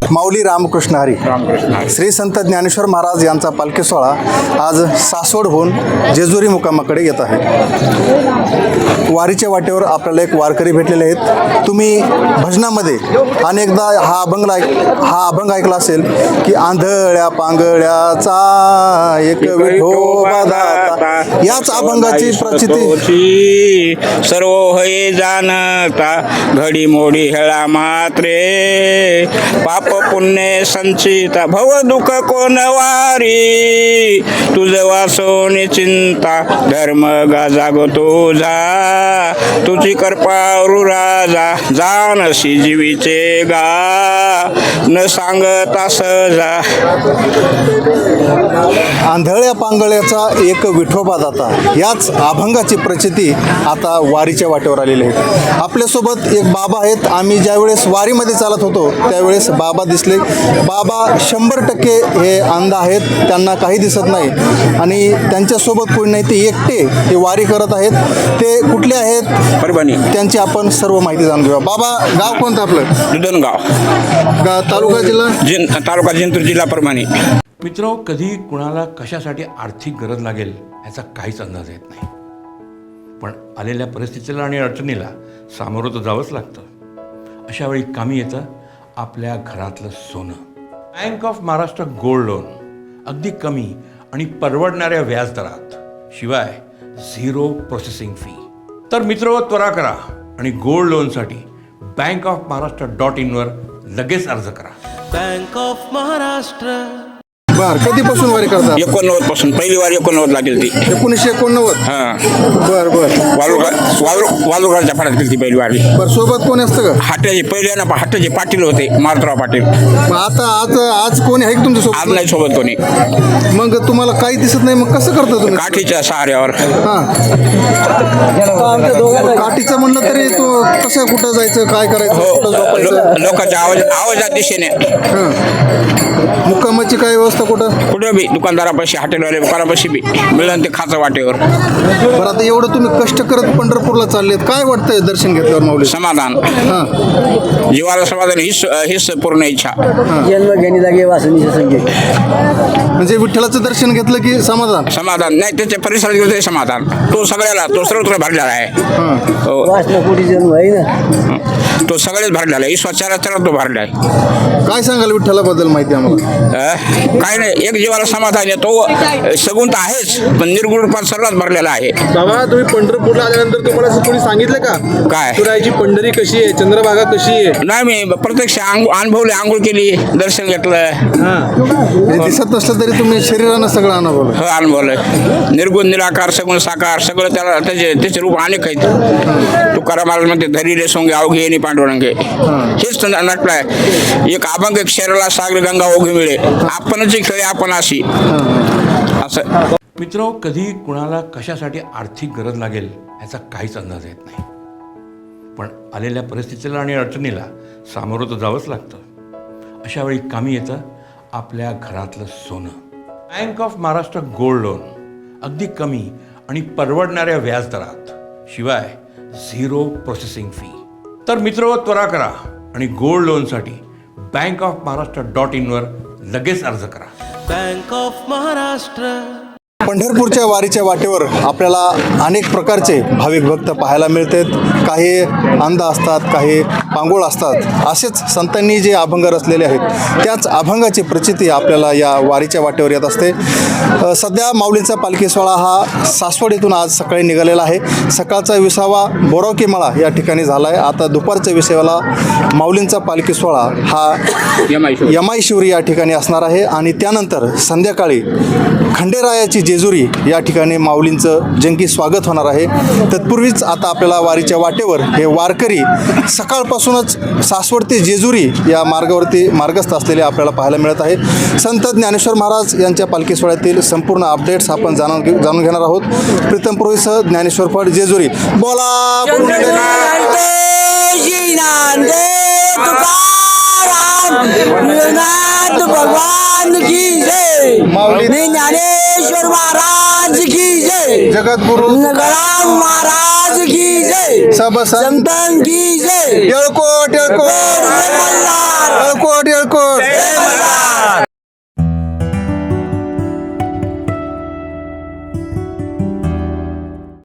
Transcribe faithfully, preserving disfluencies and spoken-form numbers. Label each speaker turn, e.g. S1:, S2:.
S1: माऊली रामकृष्ण हरी. श्री संत ज्ञानेश्वर महाराज यांचा पालखी सोहळा आज सासवडहून जेजुरी मुक्कामाकडे येत आहे. वारीच्या वाटेवर आपल्याला एक वारकरी भेटलेले आहेत. तुम्ही भजनामध्ये अनेकदा हा अभंग ऐक हा अभंग ऐकला असेल की आंधळ्या पांगळ्याचा एक विठोबा दाता. याच अभंगाची प्रचिती
S2: सर्व होय जाणता घडी मोडी हेळा मात्रे पाप पुण्य संचिता भव दुःख कोण वारी तुझ वासोनी चिंता धर्म गा जागो तुझा तुझी कृपावरू राजा जानशी जीवीचे गा न सांगता सहजा.
S1: आंधळ्या पांगळ्याचा एक विठोबा दाता याच अभंगाची प्रचिती आता वारीच्या वाटेवर आलेली आहे. आपल्यासोबत एक बाबा आहेत. आम्ही ज्यावेळेस वारीमध्ये चालत होतो त्यावेळेस बाबा दिसले. बाबा शंभर टक्के हे अंध आहेत, त्यांना काही दिसत नाही आणि त्यांच्यासोबत कोणी नाही, ते एकटे हे वारी करत आहेत. ते कुठले आहेत
S2: परभणी,
S1: त्यांची आपण सर्व माहिती जाणून घेऊया. बाबा, गाव कोणतं आपलं?
S2: दुधनगाव,
S1: गा तालुका जिल्हा
S2: जिन तालुका जिंतूर, जिल्हा परभणी.
S3: मित्रो, कधी कुणाला कशासाठी आर्थिक गरज लागेल याचा काहीच अंदाज येत नाही, पण आलेल्या परिस्थितीला आणि अडचणीला सामोरं तर जावंच लागतं. अशा वेळी कामी येतं आपल्या घरातलं सोनं. Bank of Maharashtra gold loan अगदी कमी आणि परवडणाऱ्या व्याजदरात, शिवाय झिरो प्रोसेसिंग फी. तर मित्रो, त्वरा करा आणि गोल्ड लोनसाठी बँक ऑफ महाराष्ट्र डॉट इनवर लगेच अर्ज करा.
S4: Bank of Maharashtra.
S1: बर, कधीपासून वारी करतात?
S2: एकोणनव्वद पासून पहिली वारी एकोणनव्वद लागेल ती.
S1: एकोणीसशे एकोणनव्वद.
S2: हां,
S1: बर बर
S2: वालुरगा वालू वालुरगाच्या फाट्यात गेली ती पहिली वारी.
S1: बर, सोबत कोण असतं का?
S2: हाट्याचे पहिले ना हाट्याचे पाटील होते, मारुतराव पाटील.
S1: मग आता आज आज कोणी आहे का तुमच्या
S2: आज
S1: सोबत?
S2: नाही सोबत कोणी.
S1: मग तुम्हाला काही दिसत नाही, मग कसं करता तुम्ही?
S2: काठीच्या सहाऱ्यावर.
S1: हा, काठीचं म्हणलं तरी तो कसं कुठं जायचं, काय करायचं,
S2: हो,
S1: कुठं झोपायचं?
S2: लो- लोकांच्या आवाज आवाजात दिशेने
S1: हा, मुक्कामाची काय व्यवस्था कुठं?
S2: कुठं बी दुकानदारापाशी, हॉटेलवाले दुकानापाशी बी मिळून ते खाचं वाटेवर.
S1: बरं, आता एवढं तुम्ही कष्ट करत पंढरपूरला चाललेत, काय वाटतंय दर्शन घेतल्यावर माऊली?
S2: समाधान,
S1: हा,
S2: जीवाला समाधान, हीच हीच पूर्ण इच्छा.
S5: जन्म घेणी जागे वासनीचे संगीत.
S1: म्हणजे विठ्ठलाचं दर्शन घेतलं की समाधान?
S2: समाधान नाही, त्याच्या परिसरात गेलं तरी समाधान. तो सगळ्याला, तो सर्वत्र भरलेला आहे.
S1: हा,
S2: हो,
S5: वासना पोटी जन्म आहे ना.
S2: तो सगळेच भरलेला आहे. ईश्वराच्या तो भरला आहे.
S1: काय सांगाल विठ्ठलाबद्दल माहिती आम्हाला?
S2: अं? काय नाही, एक जीवाला समाधान आहे. तो सगुण तर आहेच, पण निर्गुण रूपात सर्वात भरलेला आहे.
S6: बाबा, तुम्ही पंढरपूरला आल्यानंतर तुम्हाला असं कोणी सांगितलं का
S2: काय
S6: तुरायची पंढरी कशी आहे, चंद्रभागा कशी आहे?
S2: नाही, मी प्रत्यक्ष अंग अनुभवले, आंघोळ केली, दर्शन घेतलं.
S1: म्हणजे दिसत नसलं तरी तुम्ही शरीरानं सगळं अनुभवलं.
S2: हो, अनुभवलं. निर्गुण, निराकार, सगुण, साकार सगळं त्याला त्याचे त्याचे रूप अनेक आहेत. तुकाराम महाराज म्हणते, धरी रे सोंगे अवघे येणे पांडुरंगे. हेच नटलंय. एक अभंग, एक शरीराला सागर गंगा ओघी मिळे, आपणच खेळे आपण अशी. असं
S3: मित्रो, कधी कुणाला कशासाठी आर्थिक गरज लागेल याचा काहीच अंदाज येत नाही, पण आलेल्या परिस्थितीला आणि अडचणीला सामोरं तर जावंच लागतं. अशा वेळी कामी येतं आपल्या घरातलं सोनं. Bank of Maharashtra gold loan अगदी कमी आणि परवडणाऱ्या व्याजदरात, शिवाय झिरो प्रोसेसिंग फी. तर मित्रो, त्वरा करा आणि गोल्ड लोनसाठी बँक ऑफ महाराष्ट्र डॉट इनवर लगेच अर्ज करा.
S4: Bank of Maharashtra.
S1: पंढरपूरच्या वारीच्या वाटेवर आपल्याला अनेक प्रकारचे भाविक भक्त पाहायला मिळतात. काही अंध असतात, काही पांगोळ असतात. असेच संतांनी जे अभंग रचलेले आहेत त्याच अभंगाची प्रचिती आपल्याला या वारीच्या वाटेवर येत असते. अ, सध्या माऊलींचा पालखी सोहळा हा सासवड येथून आज सकाळी निघालेला आहे. सकाळचा विसावा बोरावकी मळा या ठिकाणी झाला आहे. आता दुपारच्या विसाव्याला माऊलींचा पालखी सोहळा हा यमाई शिवरी या ठिकाणी असणार आहे आणि त्यानंतर संध्याकाळी खंडेरायाची जेजुरी या ठिकाणी माऊलींचं जंगी स्वागत होणार आहे. तत्पूर्वीच आता आपल्याला वारीच्या वाटेवर हे वारकरी सकाळपासूनच सासवड ते जेजुरी या मार्गावरती मार्गस्थ असलेले आपल्याला पाहायला मिळत आहे. संत ज्ञानेश्वर महाराज यांच्या पालखी सोहळ्यातील संपूर्ण अपडेट्स आपण जाणून घे जाणून घेणार आहोत. प्रीतम पुरोहितसह ज्ञानेश्वर फड जेजुरी. बोला
S5: भगवान की जय.
S1: माऊली
S5: ज्ञानेश्वर महाराज की जय.
S1: जगद्गुरु
S5: गणाम महाराज महाराज की जय
S1: सब संत
S5: संतान की जय
S1: येळकोट येळकोट
S5: मल्हार.
S1: येळकोट येळकोट